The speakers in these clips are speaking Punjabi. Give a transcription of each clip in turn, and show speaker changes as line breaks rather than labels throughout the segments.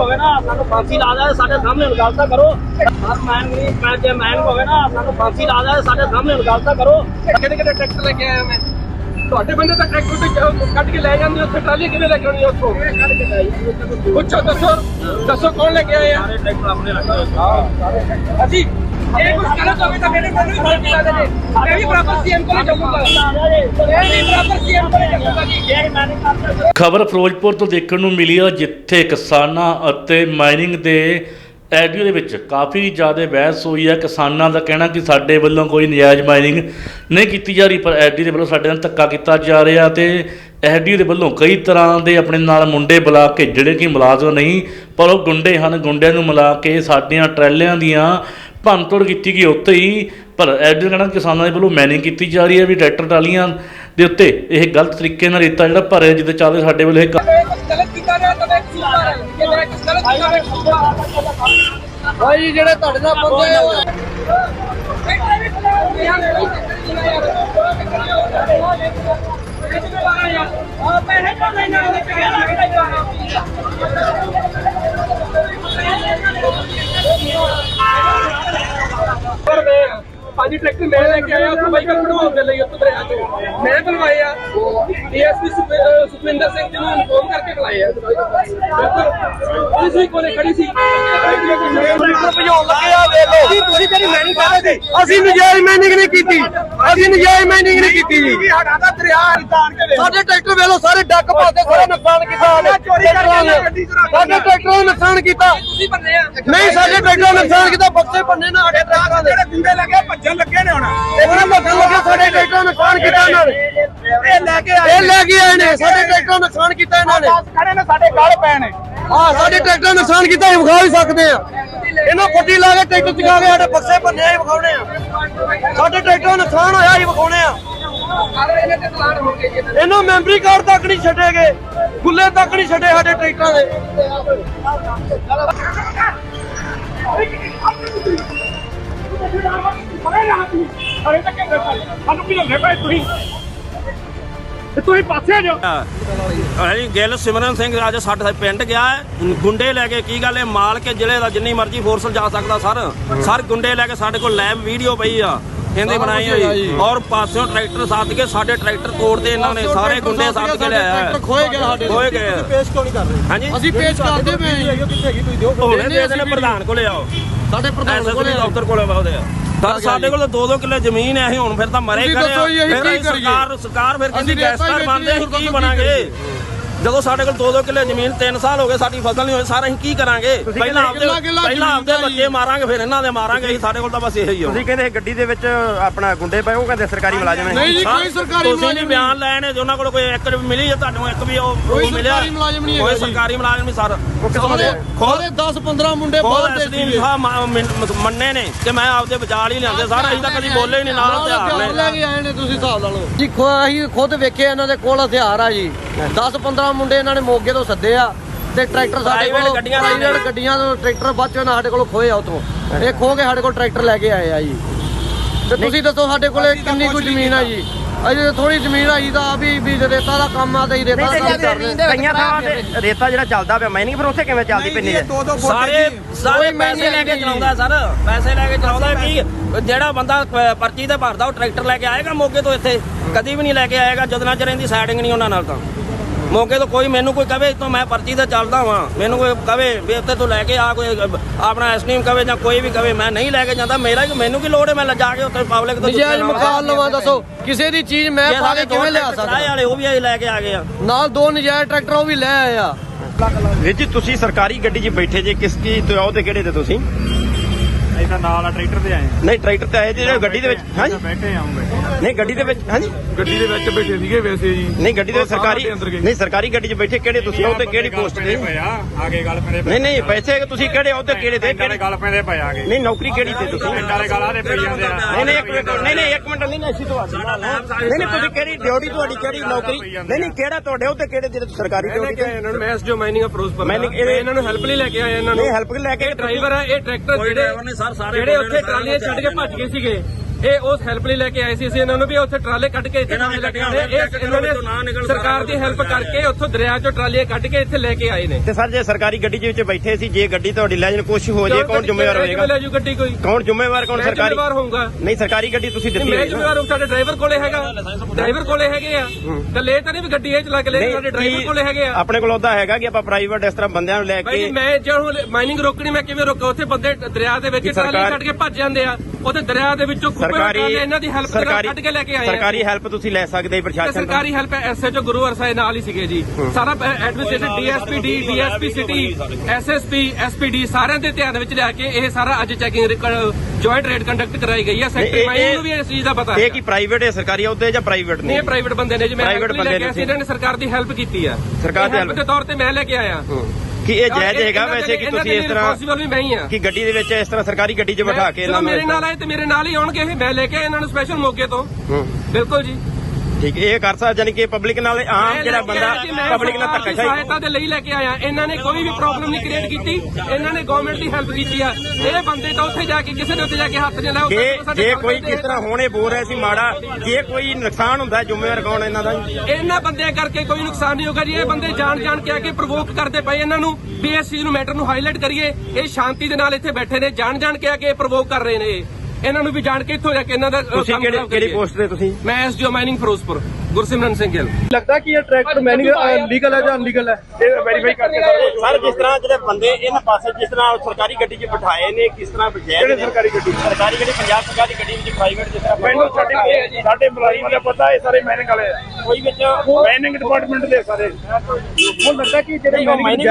ਹੋਵੇ ਨਾ ਸਾਨੂੰ ਫਾਂਸੀ ਲਾ ਦੇ, ਸਾਡੇ ਸਾਹਮਣੇ ਗੱਲ ਤਾਂ ਕਰੋ। ਮੈਨ ਹੋਵੇ ਨਾ ਸਾਨੂੰ ਫਾਂਸੀ ਲਾ ਦੇ, ਸਾਡੇ ਸਾਹਮਣੇ ਗੱਲ ਤਾਂ ਕਰੋ।
ਕਿਹੜੇ ਕਿਹੜੇ ਟਰੈਕਟਰ ਲੈ ਕੇ ਆਇਆ ਮੈਂ? ਤੁਹਾਡੇ ਬੰਦੇ ਤਾਂ ਟਰੈਕਟਰ ਤੇ ਕੱਢ ਕੇ ਲੈ ਜਾਂਦੇ, ਉੱਥੇ ਟਰਾਲੀ ਕਿਵੇਂ ਲੈ ਕੇ ਆਉਣੀ ਉੱਥੋਂ? ਪੁੱਛੋ, ਦੱਸੋ ਕੌਣ ਲੈ ਕੇ ਆਏ ਆ?
ਸਾਰੇ ਟਰੈਕਟਰ ਆਪਣੇ ਲੱਗੇ ਹੋਏ।
ਅਸੀਂ ਇਹ ਕੁਝ ਗਲਤ ਹੋਵੇ ਤਾਂ ਮੇਰੇ ਕੋਲ ਵੀ ਫੜ ਕੇ ਲਾ ਦੇਣੇ। ਮੈਂ ਵੀ ਬਰਾਬਰ ਸੀਐਮ ਕੋਲ ਜਾਊਂਗਾ, ਮੈਂ ਵੀ ਬਰਾਬਰ ਸੀਐਮ ਕੋਲ ਜਾਊਂਗਾ ਜੀ। ਇਹ ਮੈਂ ਨਹੀਂ ਕਰਦਾ।
ਖਬਰ ਫਿਰੋਜ਼ਪੁਰ ਤੋਂ ਦੇਖਣ ਨੂੰ ਮਿਲੀ ਆ, ਜਿੱਥੇ ਕਿਸਾਨਾਂ ਅਤੇ ਮਾਈਨਿੰਗ ਦੇ ਐਡੀਓ ਦੇ ਵਿੱਚ ਕਾਫੀ ਜ਼ਿਆਦਾ ਬਹਿਸ ਹੋਈ ਹੈ। ਕਿਸਾਨਾਂ ਦਾ ਕਹਿਣਾ ਕਿ ਸਾਡੇ ਵੱਲੋਂ ਕੋਈ ਨਜਾਇਜ਼ ਮਾਈਨਿੰਗ ਨਹੀਂ ਕੀਤੀ ਜਾ ਰਹੀ, ਪਰ ਐਡੀ ਦੇ ਵੱਲੋਂ ਸਾਡੇ ਨਾਲ ਧੱਕਾ ਕੀਤਾ ਜਾ ਰਿਹਾ ਤੇ ਐਡੀ ਦੇ ਵੱਲੋਂ ਕਈ ਤਰ੍ਹਾਂ ਦੇ ਆਪਣੇ ਨਾਲ ਮੁੰਡੇ ਬੁਲਾ ਕੇ, ਜਿਹੜੇ ਕਿ ਮੁਲਾਜ਼ਮ ਨਹੀਂ ਪਰ ਉਹ ਗੁੰਡੇ ਹਨ, ਗੁੰਡਿਆਂ ਨੂੰ ਮਿਲਾ ਕੇ ਸਾਡੀਆਂ ਟਰੈਲਿਆਂ ਦੀਆਂ ਭੰਨਤੋੜ ਕੀਤੀ ਗਈ ਉੱਤੇ ਹੀ। ਪਰ ਐਡੀ ਦਾ ਕਹਿਣਾ ਕਿਸਾਨਾਂ ਦੇ ਵੱਲੋਂ ਮਾਈਨਿੰਗ ਕੀਤੀ ਜਾ ਰਹੀ ਹੈ, ਵੀ ਟਰੈਕਟਰ ਟਰਾਲੀਆਂ ਦੇ ਉੱਤੇ ਇਹ ਗਲਤ ਤਰੀਕੇ ਨਾਲ ਰੇਤਾ ਜਿਹੜਾ ਭਰਿਆ, ਜਿੱਦਾਂ ਚੱਲਦੇ ਸਾਡੇ ਵੱਲੋਂ ਇਹ
ਗਲਤ ਕੀਤਾ ਗਿਆ ਤਾਂ ਮੈਂ ਕਸੂਰਵਾਰ ਹਾਂ। ਜੇ ਮੇਰਾ ਕੁਝ ਗਲਤ ਕੀਤਾ ਮੈਂ ਕਸੂਰਵਾਰ ਭਾਈ, ਜਿਹੜੇ ਤੁਹਾਡੇ ਨਾਲ ਬੰਦੇ ਪੰਜ ਟਰੈਕਟਰ ਮੈਂ ਲੈ ਕੇ ਆਇਆ ਉੱਥੋਂ ਬਾਈਕ ਕਢਵਾਉਣ ਦੇ ਲਈ, ਉੱਥੋਂ ਦਰਿਆ ਚੋਂ ਮੈਂ ਬੁਲਵਾਏ ਆ। ਡੀਐਸਪੀ ਸੁਖਵਿੰਦਰ ਸਿੰਘ ਜੀ ਨੂੰ ਇਨਫੋਰਮ ਕਰਕੇ ਬੁਲਾਏ ਆ। ਪੁਲਿਸ ਵੀ ਕੋਲੇ ਖੜੀ ਸੀ, ਭਜਾਉਣ ਲੱਗੇ ਆ। ਦੇਖ ਲਓ ਤੁਸੀਂ ਕਿਹੜੀ ਮੈਨਿੰਗ ਕਰ ਰਹੇ ਸੀ? ਅਸੀਂ ਨਜਾਇਜ਼ ਮੈਨਿੰਗ ਨਹੀਂ ਕੀਤੀ, ਅਸੀਂ ਨਜਾਇਜ਼ ਮੈਨਿੰਗ ਨਹੀਂ ਕੀਤੀ ਜੀ। ਸਾਡਾ ਤਾਂ ਦਰਿਆ ਸਾਡੇ ਟਰੈਕਟਰ ਵੇਲੋ ਸਾਰੇ ਡੱਕ ਪਾਤੇ, ਸਾਰਾ ਨੁਕਸਾਨ ਕੀਤਾ ਸਾਡੇ ਟਰੈਕਟਰਾਂ ਦਾ ਨੁਕਸਾਨ ਕੀਤਾ। ਤੁਸੀਂ ਬੰਨੇ ਆ ਨਹੀਂ, ਸਾਡੇ ਟਰੈਕਟਰਾਂ ਦਾ ਨੁਕਸਾਨ ਕੀਤਾ, ਬਕਸੇ ਬੰਨੇ ਨਾ ਸਾਡੇ ਟਰੈਕਟਰਾਂ ਦੇ। ਜਿਹੜੇ ਗੁੰਡੇ ਲੱਗੇ ਭੱਜਣ ਲੱਗੇ ਨੇ, ਹੁਣ ਉਹਨਾਂ ਭੱਜਣ ਲੱਗੇ, ਸਾਡੇ ਟਰੈਕਟਰਾਂ ਦਾ ਨੁਕਸਾਨ ਕੀਤਾ ਇਹਨਾਂ ਨੇ। ਇਹ ਲੈ ਕੇ ਆਏ ਨੇ, ਸਾਡੇ ਟਰੈਕਟਰਾਂ ਦਾ ਨੁਕਸਾਨ ਕੀਤਾ ਇਹਨਾਂ ਨੇ। ਖੜੇ ਨੇ ਸਾਡੇ ਗਲ ਪੈ ਨੇ। ਹਾਂ, ਸਾਡੇ ਟਰੈਕਟਰਾਂ ਦਾ ਨੁਕਸਾਨ ਕੀਤਾ, ਇਹ ਵਿਖਾ ਵੀ ਸਕਦੇ ਆ। ਇਹਨਾਂ ਫੱਟੀ ਲਾ ਕੇ ਟਰੈਕਟਰ ਚਕਾ ਕੇ ਸਾਡੇ ਬਕਸੇ ਭੰਨੇ ਹੀ ਵਿਖਾਉਣੇ ਆ। ਸਾਡੇ ਟਰੈਕਟਰਾਂ ਦਾ ਨੁਕਸਾਨ ਹੋਇਆ ਹੀ ਵਿਖਾਉਣੇ ਆ। ਇਹਨਾਂ ਮੈਂਬਰੀ ਕਾਰਡ ਤੱਕ ਨਹੀਂ ਛੱਡੇਗੇ, ਗੁੱਲੇ ਤੱਕ ਨਹੀਂ ਛੱਡੇ ਸਾਡੇ ਟਰੈਕਟਰਾਂ ਦੇ। ਤੁਸੀਂ ਪਾਸੇ ਜਾਓ।
ਗਿੱਲ ਸਿਮਰਨ ਸਿੰਘ ਅੱਜ ਸਾਡੇ ਪਿੰਡ ਗਿਆ ਹੈ, ਗੁੰਡੇ ਲੈ ਕੇ। ਕੀ ਗੱਲ ਹੈ, ਮਾਲ ਕੇ ਜ਼ਿਲ੍ਹੇ ਦਾ ਜਿੰਨੀ ਮਰਜ਼ੀ ਫੋਰਸ ਜਾ ਸਕਦਾ ਸਰ ਗੁੰਡੇ ਲੈ ਕੇ। ਸਾਡੇ ਕੋਲ ਲੈਬ ਵੀਡੀਓ ਪਈ ਆ, ਕਹਿੰਦੇ ਬਣਾਈ ਹੋਈ, ਔਰ ਪਾਸਿਓਂ ਟਰੈਕਟਰ ਸੱਦ ਕੇ ਸਾਡੇ ਟਰੈਕਟਰ ਤੋੜਦੇ ਇਹਨਾਂ ਨੇ। ਸਾਰੇ ਗੁੰਡੇ ਸੱਦ ਕੇ ਲਿਆਇਆ, ਖੋਏ ਗਏ।
ਪੇਸ਼ ਕਿਉਂ ਨਹੀਂ ਕਰ ਰਹੇ?
ਹਾਂਜੀ,
ਅਸੀਂ ਪੇਸ਼ ਕਰਦੇ ਪਏ। ਕਿੱਥੇ ਹੈਗੀ ਤੁਸੀਂ ਦਿਓ,
ਹੁਣੇ ਦੇ ਦੇਣੇ ਪ੍ਰਧਾਨ ਕੋਲੇ ਆਓ,
ਸਾਡੇ ਪ੍ਰਧਾਨ ਕੋਲੇ
ਦਫ਼ਤਰ ਕੋਲੇ ਆਉਂਦੇ ਆ। ਸਾਡੇ ਕੋਲ 2-2 ਕਿੱਲੇ ਜ਼ਮੀਨ ਹੈ, ਅਸੀਂ ਹੁਣ ਫਿਰ ਤਾਂ ਮਰੇ ਕਰੇ। ਸਰਕਾਰ ਫਿਰ ਕਹਿੰਦੀ ਗੈਸਟਰ ਬਣਦੇ, ਅਸੀਂ ਕੀ ਬਣਾਂਗੇ? ਜਦੋਂ ਸਾਡੇ ਕੋਲ 2-2 ਕਿੱਲੇ ਜ਼ਮੀਨ 3 ਸਾਲ ਹੋ ਗਏ, ਸਾਡੀ ਫਸਲ ਨਹੀਂ ਹੋਈ, ਸਾਰਾ ਅਸੀਂ ਕੀ ਕਰਾਂਗੇ? ਪਹਿਲਾਂ ਆਪਦੇ ਬੱਚੇ ਮਾਰਾਂਗੇ, ਫਿਰ ਇਹਨਾਂ ਦੇ ਮਾਰਾਂਗੇ। ਅਸੀਂ ਸਾਡੇ ਕੋਲ ਤਾਂ ਬਸ ਇਹੀ ਆ।
ਤੁਸੀਂ ਕਹਿੰਦੇ ਗੱਡੀ ਦੇ ਵਿੱਚ ਆਪਣਾ ਗੁੰਡੇ ਪਏ, ਉਹ ਕਹਿੰਦੇ ਸਰਕਾਰੀ ਮੁਲਾਜ਼ਮ ਨੇ।
ਨਹੀਂ ਜੀ, ਕੋਈ ਸਰਕਾਰੀ
ਤੁਸੀਂ ਨਹੀਂ ਬਿਆਨ ਲੈਣੇ, ਉਹਨਾਂ ਕੋਲ ਕੋਈ ਇੱਕ ਮਿਲੀ ਹੈ ਤੁਹਾਨੂੰ, ਇੱਕ ਵੀ ਉਹ ਮਿਲਿਆ? ਕੋਈ ਸਰਕਾਰੀ ਮੁਲਾਜ਼ਮ ਨਹੀਂ ਸਰ।
ਖੋਲੇ 10-15 ਮੁੰਡੇ ਬਾਹਰ ਦੇ
ਮੰਨੇ ਨੇ ਕਿ ਮੈਂ ਆਪਦੇ ਬਚਾਲ ਹੀ ਲਿਆਂਦੇ ਸਾਰਾ। ਅਸੀਂ ਤਾਂ ਕਦੀ ਬੋਲੇ ਹੀ ਨਹੀਂ, ਨਾਲ ਹਥਿਆਰ
ਲੈ ਕੇ ਆਏ ਨੇ। ਤੁਸੀਂ ਹਿਸਾਬ ਲਾ ਲਓ ਜੀ, ਅਸੀਂ ਖੁਦ ਵੇਖੇ ਇਹਨਾਂ ਦੇ ਕੋਲ ਹਥਿਆਰ ਆ ਜੀ। 10-15 ਮੁੰਡੇ ਇਹਨਾਂ ਨੇ ਮੋਗੇ ਤੋਂ ਸੱਦੇ ਆ, ਤੇ ਟਰੈਕਟਰ ਸਾਡੇ ਕੋਲ ਪ੍ਰਾਈਵੇਟ ਗੱਡੀਆਂ ਤੋਂ ਟਰੈਕਟਰ ਬਾਅਦ ਚੋਂ ਸਾਡੇ ਕੋਲ ਖੋਏ ਆ। ਉਤੋਂ ਇਹ ਖੋ ਕੇ ਸਾਡੇ ਕੋਲ ਟਰੈਕਟਰ ਲੈ ਕੇ ਆਏ ਆ ਜੀ। ਤੇ ਤੁਸੀਂ ਦੱਸੋ ਸਾਡੇ ਕੋਲੇ ਕਿੰਨੀ ਕੁ ਜ਼ਮੀਨ ਆ ਜੀ? ਅਜੇ ਥੋੜੀ ਜ਼ਮੀਨ ਆਈ ਤਾਂ ਵੀ ਰੇਤਾ ਦਾ ਕੰਮ ਆ, ਤੇ ਰੇਤਾ ਦਾ ਕੰਮ ਕਰਦੇ।
ਕਈਆਂ ਥਾਵਾਂ ਤੇ ਰੇਤਾ ਜਿਹੜਾ ਚੱਲਦਾ ਪਿਆ ਮਾਈਨਿੰਗ, ਫਿਰ ਉੱਥੇ ਕਿਵੇਂ ਚੱਲਦੀ ਪੈਂਦੀ ਹੈ?
ਸਾਰੇ ਪੈਸੇ ਲੈ ਕੇ ਚਲਾਉਂਦਾ ਸਰ, ਪੈਸੇ ਲੈ ਕੇ ਚਲਾਉਂਦਾ। ਕੀ ਜਿਹੜਾ ਬੰਦਾ ਪਰਚੀ ਤੇ ਭਰਦਾ, ਉਹ ਟਰੈਕਟਰ ਲੈ ਕੇ ਆਏਗਾ ਮੋਗੇ ਤੋਂ? ਇੱਥੇ ਕਦੀ ਵੀ ਨਹੀਂ ਲੈ ਕੇ ਆਏਗਾ, ਜਦੋਂ ਚਿਰ ਇਹਦੀ ਸਾਈਡਿੰਗ ਨਹੀਂ ਉਹਨਾਂ ਨਾਲ। ਤਾਂ ਮੌਕੇ ਤੋਂ ਕੋਈ ਮੈਨੂੰ ਕੋਈ ਕਵੇ ਤੋਂ ਮੈਂ ਪਰਚੀ ਤੇ ਚੱਲਦਾ ਵਾਂ, ਮੈਨੂੰ ਕੋਈ ਕਵੇ ਵੀ ਉੱਥੇ ਤੂੰ ਲੈ ਕੇ ਆ, ਕੋਈ ਆਪਣਾ ਐਸਟੀਮ ਕਵੇ ਜਾਂ ਕੋਈ ਵੀ ਕਵੇ, ਮੈਂ ਨਹੀਂ ਲੈ ਕੇ ਜਾਂਦਾ। ਮੈਨੂੰ ਕੀ ਲੋੜ ਹੈ ਮੈਂ ਜਾ ਕੇ ਉੱਥੇ ਪਬਲਿਕ ਤੋਂ
ਨਜਾਇਜ਼ ਮਕਾਨ ਲਵਾਂ? ਦੱਸੋ ਕਿਸੇ ਦੀ ਚੀਜ਼ ਮੈਂ ਪਾ ਕੇ ਕਿਵੇਂ ਲਿਆ ਸਕਦਾ?
ਵਾਲੇ ਉਹ ਵੀ ਲੈ ਕੇ ਆ ਗਏ ਆ,
ਨਾਲ 2 ਨਜਾਇਜ਼ ਟਰੈਕਟਰ ਉਹ ਵੀ ਲੈ ਆਏ ਆ।
ਵੀਰ ਜੀ, ਤੁਸੀਂ ਸਰਕਾਰੀ ਗੱਡੀ 'ਚ ਬੈਠੇ ਜੇ, ਕਿਸ ਚੀਜ਼ ਤੋਂ ਆਓ ਤੇ ਕਿਹੜੇ ਤੇ ਤੁਸੀਂ?
ਇਹਦਾ ਨਾਲ ਆ ਟਰੈਕਟਰ ਤੇ ਆਏ।
ਨਹੀਂ, ਟਰੈਕਟਰ ਤੇ ਆਏ ਜਿਹੜੇ ਗੱਡੀ ਦੇ ਵਿੱਚ। ਹਾਂਜੀ,
ਬੈਠੇ ਆਉਂਗੇ।
ਨਹੀਂ ਗੱਡੀ ਦੇ ਵਿੱਚ। ਹਾਂਜੀ,
ਗੱਡੀ ਦੇ ਵਿੱਚ ਬੈਠੇ ਸੀਗੇ ਵੈਸੇ ਜੀ।
ਨਹੀਂ ਗੱਡੀ ਦੇ ਸਰਕਾਰੀ ਨਹੀਂ, ਸਰਕਾਰੀ ਗੱਡੀ 'ਚ ਬੈਠੇ ਕਿਹੜੇ ਤੁਸੀਂ ਆਓ ਤੇ ਕਿਹੜੀ ਪੋਸਟ ਤੇ?
ਆਗੇ ਗੱਲ ਪੈਂਦੇ।
ਨਹੀਂ ਪੈਸੇ ਤੁਸੀਂ ਕਿਹੜੇ ਆਓ ਤੇ ਕਿਹੜੇ ਤੇ?
ਕਿਹੜੇ ਗੱਲ ਪੈਂਦੇ ਪਏ ਆਗੇ।
ਨਹੀਂ, ਨੌਕਰੀ ਕਿਹੜੀ ਤੇ ਤੁਸੀਂ?
ਪਿੰਡਾਂ ਦੇ ਗਾਲਾਂ ਦੇ ਪਈ ਜਾਂਦੇ ਆ।
ਨਹੀਂ ਇੱਕ ਮਿੰਟ, ਨਹੀਂ ਅਸੀਂ ਤੋਂ ਨਹੀਂ, ਤੁਸੀਂ ਕਿਹੜੀ ਡਿਊਟੀ, ਤੁਹਾਡੀ ਕਿਹੜੀ ਨੌਕਰੀ? ਨਹੀਂ ਕਿਹੜਾ ਤੁਹਾਡੇ ਉਹ ਤੇ ਕਿਹੜੇ ਜਿਹੜੇ ਸਰਕਾਰੀ ਡਿਊਟੀ ਤੇ?
ਇਹਨਾਂ ਨੂੰ ਮੈਂ ਜੋ ਮਾਈਨਿੰਗ ਫਿਰੋਜ਼ਪੁਰ ਇਹਨਾਂ ਨੂੰ ਹੈਲਪ ਨਹੀਂ ਲੈ ਕੇ ਆਏ। ਇਹਨਾਂ ਨੂੰ
ਹੈਲਪ ਲੈ ਕੇ
ਡਰਾਈਵਰ ਆ, ਇਹ ਟਰੈਕਟਰ ਜਿਹੜੇ ਉੱਥੇ ਟਰਾਲੀਆਂ ਛੱਡ ਕੇ ਭੱਜ ਗਏ ਸੀਗੇ, ਇਹ ਉਸ ਹੈਲਪ ਲਈ ਲੈ ਕੇ ਆਏ ਸੀ। ਅਸੀਂ ਇਹਨਾਂ ਨੂੰ ਵੀ ਉੱਥੇ ਟਰਾਲੇ ਕੱਢ ਕੇ ਇੱਥੇ ਲੈ ਕੇ ਆਏ। ਇਹਨਾਂ ਨੇ ਸਰਕਾਰ ਦੀ ਹੈਲਪ ਕਰਕੇ ਉੱਥੋਂ ਦਰਿਆ ਚੋਂ ਟਰਾਲੇ ਕੱਢ ਕੇ ਇੱਥੇ ਲੈ ਕੇ ਆਏ ਨੇ।
ਤੇ ਸਰ ਜੇ ਸਰਕਾਰੀ ਗੱਡੀ ਦੇ ਵਿੱਚ ਬੈਠੇ ਸੀ, ਜੇ ਗੱਡੀ ਤੁਹਾਡੀ ਲੈ ਜਾਣ ਕੁਝ ਹੋ ਜੇ ਕੌਣ ਜ਼ਿੰਮੇਵਾਰ ਹੋਏਗਾ?
ਲੈ ਜੂ ਗੱਡੀ ਕੋਈ
ਕੌਣ ਜ਼ਿੰਮੇਵਾਰ? ਕੌਣ ਸਰਕਾਰੀ
ਜ਼ਿੰਮੇਵਾਰ ਹੋਊਗਾ?
ਨਹੀਂ ਸਰਕਾਰੀ ਗੱਡੀ ਤੁਸੀਂ ਦਿੱਤੀ
ਮੈਂ
ਹੋਈ
ਜ਼ਿੰਮੇਵਾਰ ਹਾਂ। ਸਾਡੇ ਡਰਾਈਵਰ ਕੋਲੇ ਹੈਗਾ, ਡਰਾਈਵਰ ਕੋਲੇ ਹੈਗੇ ਆ। ਤੇ ਲੈ ਤਾਂ ਨਹੀਂ ਵੀ ਗੱਡੀ ਇਹ ਚਲਾ ਕੇ ਲੈ, ਸਾਡੇ ਡਰਾਈਵਰ ਕੋਲੇ ਹੈਗੇ ਆ।
ਆਪਣੇ ਕੋਲ ਉਹਦਾ ਹੈਗਾ ਕਿ ਆਪਾਂ ਪ੍ਰਾਈਵੇਟ ਇਸ ਤਰ੍ਹਾਂ ਬੰਦਿਆਂ ਨੂੰ ਲੈ
ਭਾਈ
ਕੇ
ਮੈਂ ਜਦੋਂ ਮਾਈਨਿੰਗ ਰੋਕਣੀ ਮੈਂ ਕਿਵੇਂ ਰੋਕਾਂ? ਉੱਥੇ ਬੰਦੇ ਦਰਿਆ ਦੇ ਵਿੱਚ ਟਰਾਲੀ ਕੱਢ ਕੇ ਭੱਜ ਜਾਂਦੇ ਆ। ਉਹਦੇ ਦਰਿਆ ਦੇ ਵਿੱਚੋਂ ਖੁੱਬੇ ਟਰਾਲੇ ਇਹਨਾਂ ਦੀ ਹੈਲਪ ਕੱਢ ਕੇ ਲੈ ਕੇ ਆਏ ਆ।
ਸਰਕਾਰੀ ਹੈਲਪ ਤੁਸੀਂ ਲੈ ਸਕਦੇ ਪ੍ਰਸ਼ਾਸਨ ਤੋਂ?
ਸਰਕਾਰੀ ਹੈਲਪ ਐਸਐਚਓ ਗੁਰੂ ਹਰਸਾਏ ਨਾਲ ਹੀ ਸੀਗੇ ਜੀ। ਸਾਰਾ administration DSP city SSP SPD ਸਾਰਿਆਂ ਦੇ ਧਿਆਨ ਵਿੱਚ ਲਿਆ ਕੇ ਇਹ ਸਾਰਾ ਅੱਜ ਚੈਕਿੰਗ ਜੁਆਇੰਟ ਰੇਡ ਕੰਡਕਟ ਕਰਾਈ ਗਈ ਹੈ। ਸੈਕਟਰੀ ਮਾਈਨਿੰਗ ਨੂੰ ਵੀ ਇਸ ਚੀਜ਼ ਦਾ ਪਤਾ ਹੈ।
ਇਹ ਕੀ ਪ੍ਰਾਈਵੇਟ ਹੈ ਸਰਕਾਰੀ ਅਹੁਦੇ ਜਾਂ ਪ੍ਰਾਈਵੇਟ
ਨਹੀਂ,
ਨੇ?
ਇਹ ਪ੍ਰਾਈਵੇਟ ਬੰਦੇ ਨੇ ਜੀ। ਮੈਂ
ਪ੍ਰਾਈਵੇਟ ਬੰਦੇ ਨੇ,
ਇਹਨਾਂ ਨੇ ਸਰਕਾਰ ਦੀ ਹੈਲਪ ਕੀਤੀ ਆ।
ਸਰਕਾਰ ਦੀ
ਹੈਲਪ ਦੇ ਤੌਰ ਤੇ ਮੈਂ ਲੈ ਕੇ ਆਇਆ।
ਕਿ ਇਹ ਜਾਇਜ਼ ਹੈਗਾ ਵੈਸੇ ਕਿ ਤੁਸੀਂ ਇਸ ਤਰ੍ਹਾਂ
ਰਿਸਪੌਂਸਿਬਲ ਵੀ ਮੈਂ ਹੀ ਆ
ਕਿ ਗੱਡੀ ਦੇ ਵਿੱਚ ਇਸ ਤਰ੍ਹਾਂ ਸਰਕਾਰੀ ਗੱਡੀ 'ਚ ਬਿਠਾ ਕੇ
ਜਦੋਂ ਮੇਰੇ ਨਾਲ ਆਏ ਤੇ ਮੇਰੇ ਨਾਲ ਹੀ ਆਉਣਗੇ ਇਹ। ਮੈਂ ਲੈ ਕੇ ਇਹਨਾਂ ਨੂੰ ਸਪੈਸ਼ਲ ਮੌਕੇ ਤੋਂ। ਬਿਲਕੁਲ ਜੀ
ਠੀਕ ਇਹ ਕਰ ਸਕਦਾ, ਯਾਨੀ ਕਿ ਪਬਲਿਕ ਨਾਲ ਆਮ ਜਿਹੜਾ ਬੰਦਾ ਪਬਲਿਕ ਨਾਲ ਧੱਕਾਸ਼ਾਹੀ
ਸਹਾਇਤਾ ਦੇ ਲਈ ਲੈ ਕੇ ਆਇਆ। ਇਹਨਾਂ ਨੇ ਕੋਈ ਵੀ ਪ੍ਰੋਬਲਮ ਨਹੀਂ ਕ੍ਰੀਏਟ ਕੀਤੀ। ਇਹਨਾਂ ਨੇ ਗਵਰਨਮੈਂਟ ਦੀ ਹੈਲਪ ਕੀਤੀ ਆ। ਇਹ ਬੰਦੇ ਤਾਂ ਉੱਥੇ ਜਾ ਕੇ ਕਿਸੇ ਦੇ ਉੱਤੇ ਜਾ ਕੇ ਹੱਥ ਨਹੀਂ ਲਾਇਆ।
ਜੇ ਕੋਈ ਕਿਸ ਤਰ੍ਹਾਂ ਹੋਣੇ ਬੋਲ ਰਿਹਾ ਸੀ ਮਾੜਾ, ਜੇ ਕੋਈ ਨੁਕਸਾਨ ਹੁੰਦਾ ਜ਼ਿੰਮੇਵਾਰ ਕੌਣ ਇਹਨਾਂ ਦਾ?
ਇਹਨਾਂ ਬੰਦਿਆਂ ਕਰਕੇ ਕੋਈ ਨੁਕਸਾਨ ਨਹੀਂ ਹੋਗਾ ਜੀ। ਇਹ ਬੰਦੇ ਜਾਣ ਕੇ ਆ ਕੇ ਪ੍ਰਵੋਕ ਕਰਦੇ ਪਏ ਇਹਨਾਂ ਨੂੰ ਵੀ ਇਸ ਚੀਜ਼ ਨੂੰ ਮੈਟਰ ਨੂੰ ਹਾਈਲਾਈਟ ਕਰੀਏ। ਇਹ ਸ਼ਾਂਤੀ ਦੇ ਨਾਲ ਇੱਥੇ ਬੈਠੇ ਨੇ, ਜਾਣ ਕੇ ਆ ਕੇ ਪ੍ਰਵੋਕ ਕਰ ਰਹੇ ਨੇ। ਇਹਨਾਂ ਨੂੰ ਵੀ ਜਾਣ ਕੇ ਇੱਥੋਂ ਜਾ ਕੇ ਇਹਨਾਂ ਦਾ
ਤੁਸੀਂ ਕਿਹੜੀ ਪੋਸਟ ਤੇ? ਤੁਸੀਂ?
ਮੈਂ ਐਸਡੀਓ ਮਾਈਨਿੰਗ ਫਿਰੋਜ਼ਪੁਰ ਗੁਰਸਿਮਰਨ ਸਿੰਘ ਗਿੱਲ।
ਲੱਗਦਾ ਕਿ ਇਹ ਟਰੈਕਟਰ ਮੈਨਿੰਗ ਲੀਗਲ ਹੈ ਜਾਂ ਅਨਲੀਗਲ ਹੈ? ਇਹ ਵੈਰੀਫਾਈ ਕਰਕੇ
ਸਰ ਜਿਸ ਤਰ੍ਹਾਂ ਜਿਹੜੇ ਬੰਦੇ ਇਹਨਾਂ ਪਾਸੇ ਜਿਸ ਤਰ੍ਹਾਂ ਸਰਕਾਰੀ ਗੱਡੀ 'ਚ ਬਿਠਾਏ ਨੇ, ਕਿਸ ਤਰ੍ਹਾਂ ਬਜਾਏ ਨੇ?
ਸਰਕਾਰੀ ਗੱਡੀ?
ਸਰਕਾਰੀ ਗੱਡੀ ਪੰਜਾਬ ਸਰਕਾਰੀ ਗੱਡੀ ਵਿੱਚ ਪ੍ਰਾਈਵੇਟ ਜਿਸ ਤਰ੍ਹਾਂ
ਮੈਨੂੰ ਸਾਡੇ ਮੁਲਾਜ਼ਮਾਂ ਦਾ ਪਤਾ ਇਹ ਸਾਰੇ ਮੈਨਿੰਗ ਵਾਲੇ ਆ।
ਕੋਈ ਵਿੱਚ
ਮੈਨਿੰਗ ਡਿਪਾਰਟਮੈਂਟ ਦੇ ਸਾਰੇ। ਹੁਣ ਲੱਗਦਾ ਕਿ ਜਿਹੜੇ
ਮਾਈਨਿੰਗ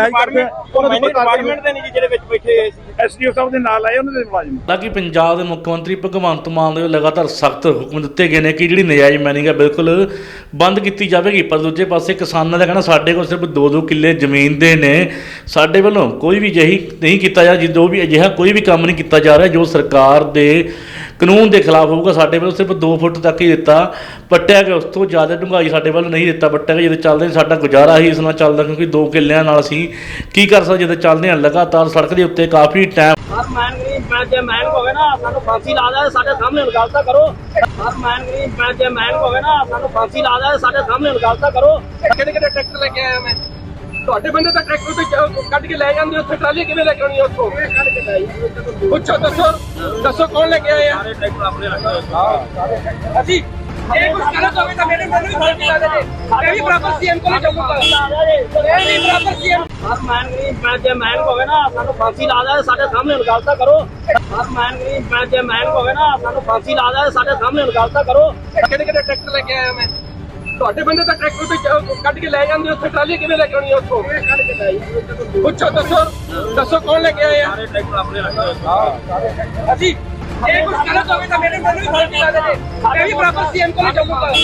ਡਿਪਾਰਟਮੈਂਟ ਦੇ ਨਹੀਂ ਜਿਹੜੇ ਵਿੱਚ ਬੈਠੇ ਹੋਏ ਸੀ।
ਐਸਡੀਓ ਸਾਹਿਬ ਦੇ ਨਾਲ ਆਏ ਉਹਨਾਂ ਦੇ ਮੁਲਾਜ਼ਮ।
ਹਾਲਾਂਕਿ ਪੰਜਾਬ ਦੇ ਮੁੱਖ ਮੰਤਰੀ ਭਗਵੰਤ ਮਾਨ ਦੇ ਲਗਾਤਾਰ ਸਖਤ ਹੁਕਮ ਦਿੱਤੇ ਗਏ ਨੇ ਕਿ ਜਿਹੜੀ ਨਜਾਇਜ਼ ਮਾਈਨਿੰਗ ਹੈ ਬਿਲਕੁਲ ਬੰਦ ਕੀਤੀ ਜਾਵੇਗੀ। ਪਰ ਦੂਜੇ ਪਾਸੇ ਕਿਸਾਨਾਂ ਦਾ ਕਹਿਣਾ ਸਾਡੇ ਕੋਲ ਸਿਰਫ 2-2 ਕਿੱਲੇ ਜ਼ਮੀਨ ਦੇ ਨੇ, ਸਾਡੇ ਵੱਲੋਂ ਕੋਈ ਵੀ ਅਜਿਹੀ ਨਹੀਂ ਕੀਤਾ ਜਾ ਜੋ ਵੀ ਅਜਿਹਾ ਕੋਈ ਵੀ ਕੰਮ ਨਹੀਂ ਕੀਤਾ ਜਾ ਰਿਹਾ ਜੋ ਸਰਕਾਰ ਦੇ ਕਾਨੂੰਨ ਦੇ ਖਿਲਾਫ ਹੋਊਗਾ। ਸਾਡੇ ਵੱਲੋਂ ਸਿਰਫ 2 ਫੁੱਟ ਤੱਕ ਹੀ ਦਿੱਤਾ ਪੱਟਿਆ ਗਿਆ, ਉਸ ਤੋਂ ਜ਼ਿਆਦਾ ਡੂੰਘਾਈ ਸਾਡੇ ਵੱਲ ਨਹੀਂ ਦਿੱਤਾ ਪੱਟਿਆ ਗਿਆ। ਜਦੋਂ ਚੱਲਦੇ ਸਾਡਾ ਗੁਜ਼ਾਰਾ ਹੀ ਇਸ ਨਾਲ ਚੱਲਦਾ, ਕਿਉਂਕਿ 2 ਕਿੱਲਿਆਂ ਨਾਲ ਅਸੀਂ ਕੀ ਕਰ ਸਕਦੇ ਜਦੋਂ ਚੱਲਦੇ ਹਾਂ ਲਗਾਤਾਰ ਸੜਕ ਦੇ ਉੱਤੇ ਕਾਫੀ ਟਾਈਮ।
ਜੇ ਮੈਨ ਹੋਵੇ ਨਾ ਸਾਨੂੰ ਫਾਂਸੀ ਲਾ ਦੇ, ਸਾਡੇ ਸਾਹਮਣੇ ਗੱਲ ਤਾਂ ਕਰੋ। ਜੇ ਮੈਨ ਹੋਵੇ ਨਾ ਸਾਨੂੰ ਫਾਂਸੀ ਲਾ ਦੇ, ਸਾਡੇ ਸਾਹਮਣੇ ਗੱਲ ਤਾਂ ਕਰੋ।
ਕਿਹੜੇ ਟਰੈਕਟਰ ਲੈ ਕੇ ਆਇਆ ਮੈਂ? ਤੁਹਾਡੇ ਬੰਦੇ ਤਾਂ ਟਰੈਕਟਰ ਤੇ ਕੱਢ ਕੇ ਲੈ ਜਾਂਦੇ, ਉੱਥੇ ਟਰਾਲੀ ਕਿਵੇਂ ਲੈ ਕੇ ਆਉਣੀ ਉੱਥੋਂ? ਪੁੱਛੋ, ਦੱਸੋ ਕੌਣ ਲੈ ਕੇ ਆਏ ਆ? ਅਸੀਂ ਇਹ ਕੁਝ ਗਲਤ ਹੋਵੇ ਤਾਂ ਮੇਰੇ ਮੈਨੂੰ ਵੀ ਫਾਂਸੀ ਲਾ ਦੇ। ਇਹ ਵੀ ਬਰਾਬਰ ਸੀਐਮ ਕੋਲ ਜਾਊਗਾ। ਇਹ ਵੀ ਬਰਾਬਰ ਸੀਐਮ।
ਜੇ ਮੈਨ ਹੋਵੇ ਨਾ ਸਾਨੂੰ ਫਾਂਸੀ ਲਾ ਦੇ, ਸਾਡੇ ਸਾਹਮਣੇ ਗੱਲ ਤਾਂ ਕਰੋ। ਜੇ ਮੈਨ ਹੋਵੇ ਨਾ ਸਾਨੂੰ ਫਾਂਸੀ ਲਾ ਦੇ, ਸਾਡੇ ਸਾਹਮਣੇ ਗੱਲ ਤਾਂ ਕਰੋ।
ਕਿਹੜੇ ਟਰੈਕਟਰ ਲੈ ਕੇ ਆਇਆ ਮੈਂ? ਤੁਹਾਡੇ ਬੰਦੇ ਤਾਂ ਟਰੈਕਟਰ ਤੇ ਕੱਢ ਕੇ ਲੈ ਜਾਂਦੇ, ਉੱਥੇ ਟਰਾਲੀ ਕਿਵੇਂ ਲੈ ਕੇ ਆਉਣੀ ਉੱਥੋਂ? ਪੁੱਛੋ, ਦੱਸੋ ਕੌਣ ਲੈ ਕੇ ਆਏ ਆ? ਅਸੀਂ ਇਹ ਕੁਝ ਗਲਤ ਹੋਵੇ ਤਾਂ ਮੇਰੇ ਮੈਨੂੰ ਵੀ ਫਾਂਸੀ ਲਾ ਦੇ। ਇਹ ਵੀ ਬਰਾਬਰ ਸੀਐਮ ਕੋਲ ਜਾਊਗਾ।